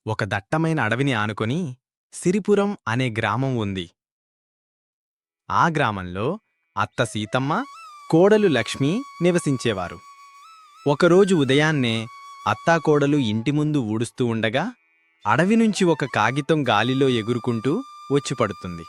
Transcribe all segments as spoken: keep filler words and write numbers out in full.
ఒక దట్టమైన అడవిని ఆనుకొని సిరిపురం అనే గ్రామం ఉంది. ఆ గ్రామంలో అత్త సీతమ్మ, కోడలు లక్ష్మి నివసించేవారు. ఒకరోజు ఉదయాన్నే అత్తాకోడలు ఇంటి ముందు ఊడుస్తూ ఉండగా అడవి నుంచి ఒక కాగితం గాలిలో ఎగురుకుంటూ వచ్చిపడుతుంది.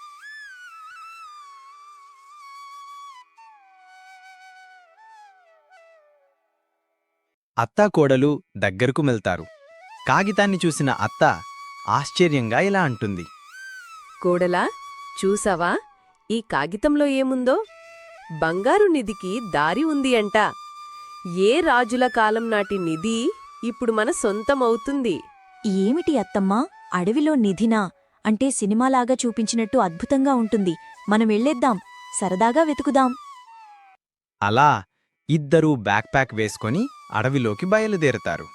అత్తాకోడలు దగ్గరకు మెల్తారు. కాగితాన్ని చూసిన అత్త ఆశ్చర్యంగా ఇలా అంటుంది. కోడలా, చూసావా ఈ కాగితంలో ఏముందో? బంగారు నిధికి దారి ఉంది అంట. ఏ రాజుల కాలం నాటి నిధి ఇప్పుడు మన సొంతమవుతుంది. ఏమిటి అత్తమ్మా, అడవిలో నిధినా? అంటే సినిమాలాగా చూపించినట్టు అద్భుతంగా ఉంటుంది. మనం వెళ్ళేద్దాం, సరదాగా వెతుకుదాం. అలా ఇద్దరూ బ్యాక్ ప్యాక్ వేసుకొని అడవిలోకి బయలుదేరతారు.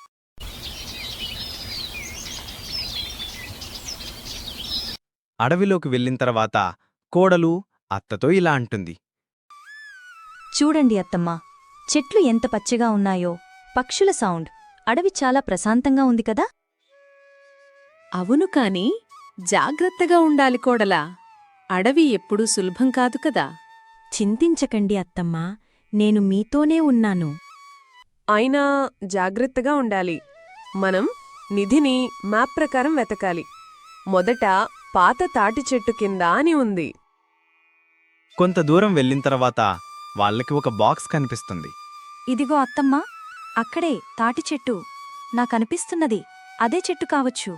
అడవిలోకి వెళ్ళిన తర్వాత కోడలు అత్తతో ఇలా అంటుంది. చూడండి అత్తమ్మా, చెట్లు ఎంత పచ్చగా ఉన్నాయో, పక్షుల సౌండ్, అడవి చాలా ప్రశాంతంగా ఉంది కదా. అవును, కాని జాగ్రత్తగా ఉండాలి కోడలా. అడవి ఎప్పుడూ సులభం కాదు కదా. చింతించకండి అత్తమ్మా, నేను మీతోనే ఉన్నాను. అయినా జాగ్రత్తగా ఉండాలి. మనం నిధిని మ్యాప్ ప్రకారం వెతకాలి. మొదట పాత తాటి చెట్టు కింద అని ఉంది. కొంత దూరం వెళ్ళిన తర్వాత వాళ్ళకి ఒక బాక్స్ కనిపిస్తుంది. ఇదిగో అత్తమ్మా, అక్కడే తాటి చెట్టు. నాకనిపిస్తున్నది అదే చెట్టు కావచ్చు.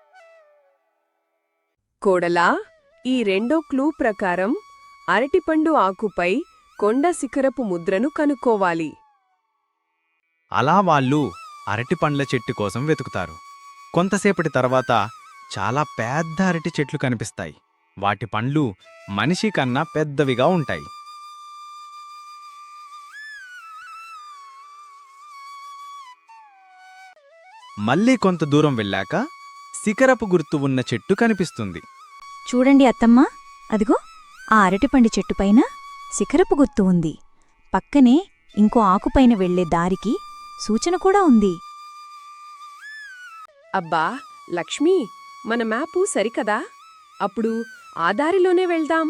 కోడలా, ఈ రెండో క్లూ ప్రకారం అరటిపండు ఆకుపై కొండ శిఖరపు ముద్రను కనుక్కోవాలి. అలా వాళ్ళు అరటిపండ్ల చెట్టు కోసం వెతుకుతారు. కొంతసేపటి తర్వాత చాలా పెద్ద అరటి చెట్లు కనిపిస్తాయి. వాటి పండ్లు మనిషి కన్నా పెద్దవిగా ఉంటాయి. మళ్ళీ కొంత దూరం వెళ్ళాక శిఖరపు గుర్తు ఉన్న చెట్టు కనిపిస్తుంది. చూడండి అత్తమ్మా, అదిగో ఆ అరటిపండి చెట్టుపైన శిఖరపు గుర్తు ఉంది. పక్కనే ఇంకో ఆకుపైన వెళ్లే దారికి సూచన కూడా ఉంది. అబ్బా లక్ష్మీ, మన మ్యాపు సరికదా? అప్పుడు ఆ దారిలోనే వెళ్దాం.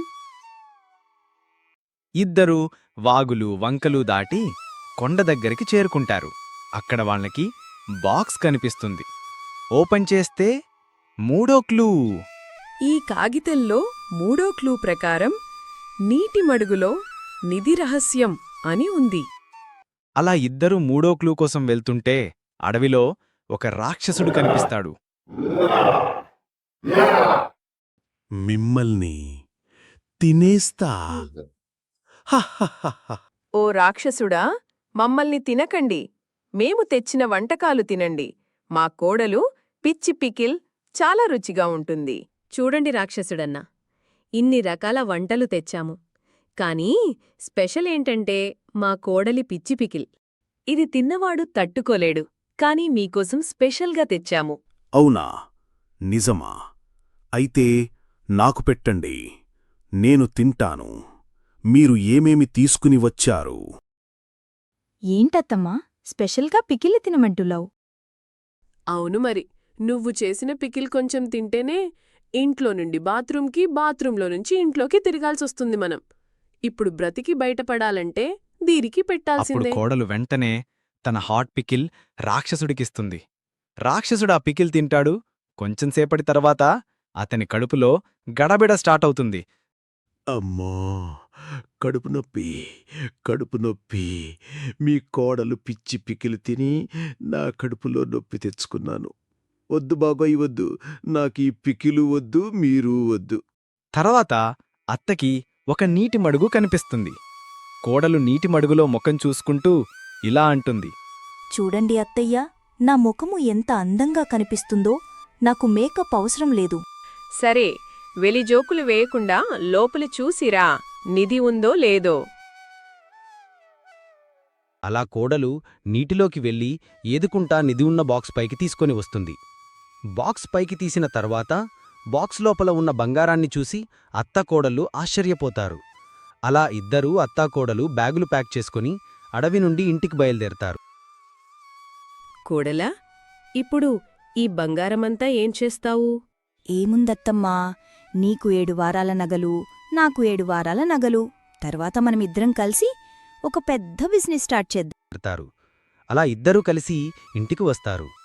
ఇద్దరూ వాగులు వంకలు దాటి కొండ దగ్గరికి చేరుకుంటారు. అక్కడ వాళ్ళకి బాక్స్ కనిపిస్తుంది. ఓపెన్ చేస్తే మూడో క్లూ. ఈ కాగితంలో మూడో క్లూ ప్రకారం నీటి మడుగులో నిధి రహస్యం అని ఉంది. అలా ఇద్దరూ మూడో క్లూ కోసం వెళ్తుంటే అడవిలో ఒక రాక్షసుడు కనిపిస్తాడు. మిమ్మల్ని తినేస్తా. ఓ రాక్షసుడా, మమ్మల్ని తినకండి. మేము తెచ్చిన వంటకాలు తినండి. మా కోడలు పిచ్చి పికిల్ చాలా రుచిగా ఉంటుంది. చూడండి రాక్షసుడన్నా, ఇన్ని రకాల వంటలు తెచ్చాము. కానీ స్పెషల్ ఏంటంటే మా కోడలి పిచ్చి పికిల్. ఇది తిన్నవాడు తట్టుకోలేడు. కానీ మీకోసం స్పెషల్గా తెచ్చాము. అవునా? నిజమా? అయితే నాకు పెట్టండి, నేను తింటాను. మీరు ఏమేమి తీసుకుని వచ్చారు? ఏంటత్తమ్మా, స్పెషల్గా పికిలి తినమంటులావు? అవును మరి, నువ్వు చేసిన పికిల్ కొంచెం తింటేనే ఇంట్లో నుండి బాత్రూంకి, బాత్రూంలో నుంచి ఇంట్లోకి తిరగాల్సొస్తుంది మనం. ఇప్పుడు బ్రతికి బయటపడాలంటే దీనికి అప్పుడు పెట్టాల్సిందే. కోడలు వెంటనే తన హాట్ పికిల్ రాక్షసుడికిస్తుంది. రాక్షసుడు ఆ పికిల్ తింటాడు. కొంచెంసేపటి తర్వాత అతని కడుపులో గడబిడ స్టార్ట్ అవుతుంది. అమ్మో, కడుపు నొప్పి, కడుపు నొప్పి. మీ కోడలు పిచ్చి పికిలు తిని నా కడుపులో నొప్పి తెచ్చుకున్నాను. వద్దు బాబాయ్, వద్దు. నాకీ పికిలు వద్దు, మీరు వద్దు. తర్వాత అత్తకి ఒక నీటి మడుగు కనిపిస్తుంది. కోడలు నీటి మడుగులో ముఖం చూసుకుంటూ ఇలా అంటుంది. చూడండి అత్తయ్యా, నా ముఖము ఎంత అందంగా కనిపిస్తుందో. నాకు మేకప్ అవసరం లేదు. సరే, వెలిజోకులు వేయకుండా లోపలి చూసిరా, నిధి ఉందో లేదో. అలా కోడలు నీటిలోకి వెళ్ళి ఏదుకుంటా నిధి ఉన్న బాక్స్ పైకి తీసుకొని వస్తుంది. బాక్స్ పైకి తీసిన తర్వాత బాక్స్ లోపల ఉన్న బంగారాన్ని చూసి అత్తాకోడలు ఆశ్చర్యపోతారు. అలా ఇద్దరూ అత్తాకోడలు బ్యాగులు ప్యాక్ చేసుకుని అడవి నుండి ఇంటికి బయలుదేరతారు. కోడలా, ఇప్పుడు ఈ బంగారమంతా ఏం చేస్తావు? ఏముందత్తమ్మా, నీకు ఏడు వారాల నగలు, నాకు ఏడు వారాల నగలు. తర్వాత మనమిద్దరం కలిసి ఒక పెద్ద బిజినెస్ స్టార్ట్ చేద్దాం. అలా ఇద్దరూ కలిసి ఇంటికి వస్తారు.